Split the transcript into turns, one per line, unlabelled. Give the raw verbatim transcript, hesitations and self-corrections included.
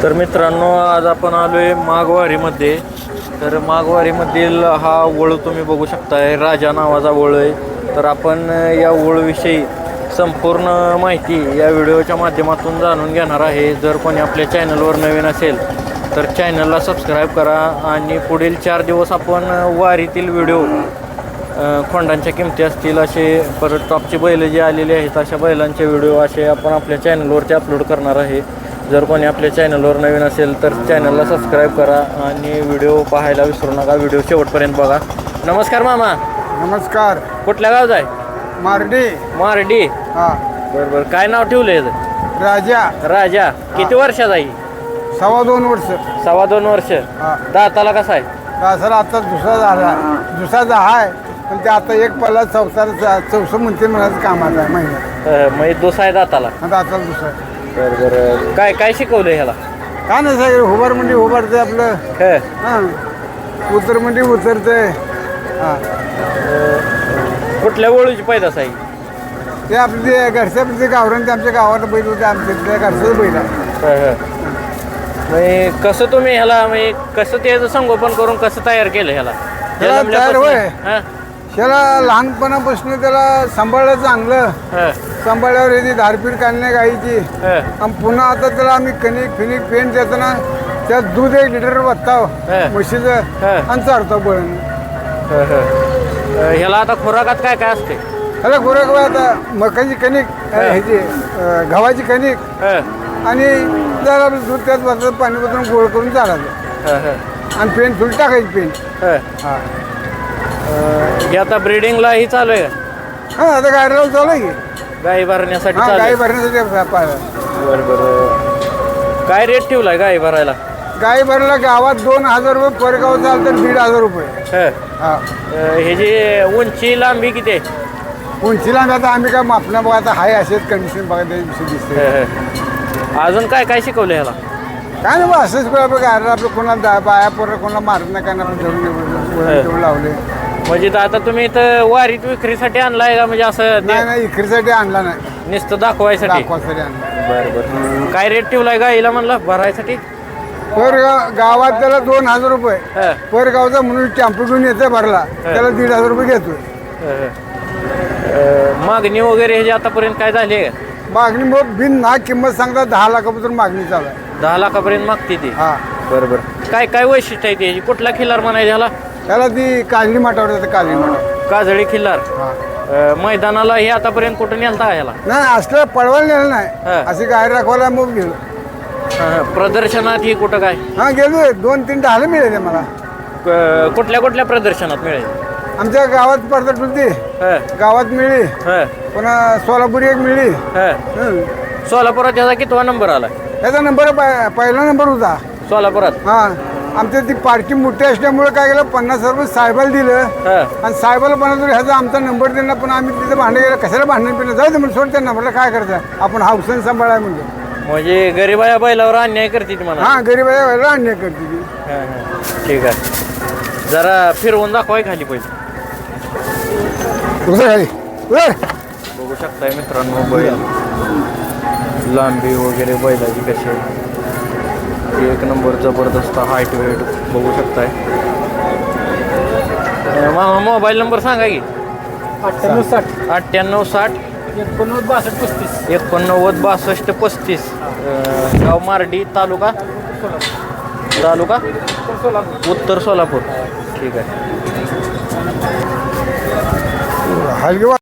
तर मित्रांनो, आज आपण आलो आहे माघवारीमध्ये. तर माघवारीमधील हा वळू तुम्ही बघू शकताय, राजा नावाचा वळू आहे. तर आपण या वळूविषयी संपूर्ण माहिती या व्हिडिओच्या माध्यमातून जाणून घेणार आहे. जर कोणी आपल्या चॅनलवर नवीन असेल तर चॅनलला सबस्क्राईब करा आणि पुढील चार दिवस आपण वारीतील व्हिडिओ, खोंडांच्या किमती असतील असे, परत टॉपची बैलं जी आलेली आहेत अशा बैलांचे व्हिडिओ असे आपण आपल्या चॅनलवरती अपलोड करणार आहे. जर कोणी आपल्या चॅनलवर नवीन असेल तर चॅनलला सबस्क्राईब करा आणि व्हिडिओ पाहायला विसरू नका. व्हिडिओ शेवटपर्यंत बघा. नमस्कार मामा.
नमस्कार.
कुठल्या गावचा आहे?
मारडी.
मारडी.
हा.
बरं बरं. काय नाव ठेवलंय?
राजा.
राजा. किती वर्षाचा आहे?
सव्वा दोन वर्ष.
सव्वा दोन वर्ष.
हा.
दाताला कसा आहे?
दासाला आता दुसरा झाला, दुसरा आहे पण ते आता एक पल्ला चौथा चौसष्ट म्हणते म्हणायचं कामाचं आहे महिन्यात.
म्हणजे दुसरा आहे दाताला.
दाताला दुसरा.
बरं बरं. काय काय शिकवलं ह्याला?
काय नाही सगळं हुबार म्हणजे उभारते आपलं. हां. उतर म्हणजे उतरते. हां.
कुठल्या वळूची पैदास आहे?
ते आपले ते घरच्या ते गावरान ते आमच्या गावाला बैल होते, आमच्या त्या घरचंच बैल आहे.
म्हणजे कसं तुम्ही ह्याला, म्हणजे कसं त्याचं संगोपन करून कसं तयार केलं ह्याला?
त्याला तयार होय. त्याला लहानपणापासून त्याला सांभाळलं चांगलं. सांभाळल्यावर याची धारपीठ काढणे गाईची. आणि पुन्हा आता त्याला आम्ही कणिक फिनिक पेंट देताना त्यात दूध एक लिटर बघताव म्हशीचं आणि चारतो बळण.
ह्याला आता खुराकात काय काय असते?
ह्याला खुराक आता मकाची कणिक, ह्याची गव्हाची कणिक आणि जरा दूध त्यात बसत पाणी बदलून गोळ करून चालायचं आणि पेंट थोडी टाकायची पेंट. हां.
हे आता ब्रिडिंगलाही चालू आहे?
हां. आता गाडीला चालू आहे की
गाई भरण्यासाठी.
हां, गाई भरण्यासाठी पाहिलं.
बरं बरं. काय रेट ठेवलाय गाई भरायला?
गाई भरायला गावात दोन हजार रुपये, परगाव चाल तर दीड हजार रुपये. हां.
हे जे उंची लांबी किती आहे?
उंचीला आता आम्ही काय मापना बघा, आता हाय असेच कंडिशन बघा त्या दिवशी दिसते.
अजून काय काय शिकवलं ह्याला?
काय नाही बा, असंच बघा आपलं कोणाला बाया पोरं कोणाला मारत नाही, काय आपण धरून लावले.
म्हणजे आता तुम्ही इथं वारीत विक्रीसाठी आणलाय का? म्हणजे असं
नाही नाही, इकरीसाठी आणला नाही,
नुसतं दाखवायसाठी.
दाखवासाठी आणला.
बरं बरं. काय रेट ठेवलाय गाईला म्हणलं भरायसाठी?
पर गावात त्याला दोन हजार रुपये, पर गावचा म्हणून टॅम्पो घेऊन येते भरला त्याला दीड हजार रुपये घेतोय.
मागणी वगैरे ह्याची आतापर्यंत काय झाली आहे?
मागणी मग बिन ना किंमत सांगता दहा लाखापासून मागणी चालू आहे.
दहा लाखापर्यंत मागते ती?
हा.
बरं बरं. काय काय वैशिष्ट्य आहे त्याची? कुठला खिल्लार म्हणायचं ह्याला?
त्याला ती काजळी माटावर जाते, काजळी माटा.
काजळी खिल्लार. मैदानाला हे आतापर्यंत कुठं नेलता ह्याला?
नाही, असलं पळवायला नेलं नाही, अशी गाय राखवायला मग गेलो.
प्रदर्शनात ही कुठं काय?
हा गेलो, दोन तीन ढालं मिळाले मला.
कुठल्या कुठल्या प्रदर्शनात मिळेल?
आमच्या गावात पडतात होती, गावात मिळली, पुन्हा सोलापुरी एक मिळली.
सोलापुरात याचा कितवा नंबर आला?
याचा नंबर पहिला नंबर होता सोलापुरात. हा. आमच्या ती पार्टी मोठी असल्यामुळे काय केलं, पन्नास रुपये साहेबाला दिलं आणि साहेबाला पन्नास ह्याचा आमचा नंबर दिला. पण आम्ही तिथे भांडण गेलं, कशाला भांडण पिणं जाऊ दे म्हणून सोड त्यांना. म्हटलं काय करायचं, आपण हाऊसन सांभाळाय म्हणजे.
म्हणजे गरीबाया बैलावर अन्याय करते ती म्हणा?
हा, गरीबाया बैलावर अन्याय करते ती.
ठीक आहे, जरा फिरवून दाखवाय खाली पहिले. बघू शकताय मित्रांनो बैल, लांबी वगैरे बैलाची कशी आहे. एक नंबर जबरदस्त हाईट वेट बघू शकताय. मामा मोबाईल नंबर सांगा की?
अठ्ठ्याण्णव साठ
अठ्ठ्याण्णव साठ
एकोणनव्वद बासष्ट पस्तीस
एकोणनव्वद बासष्ट पस्तीस. गाव मारडी, तालुका तालुका उत्तर सोलापूर. ठीक आहे.
हलगी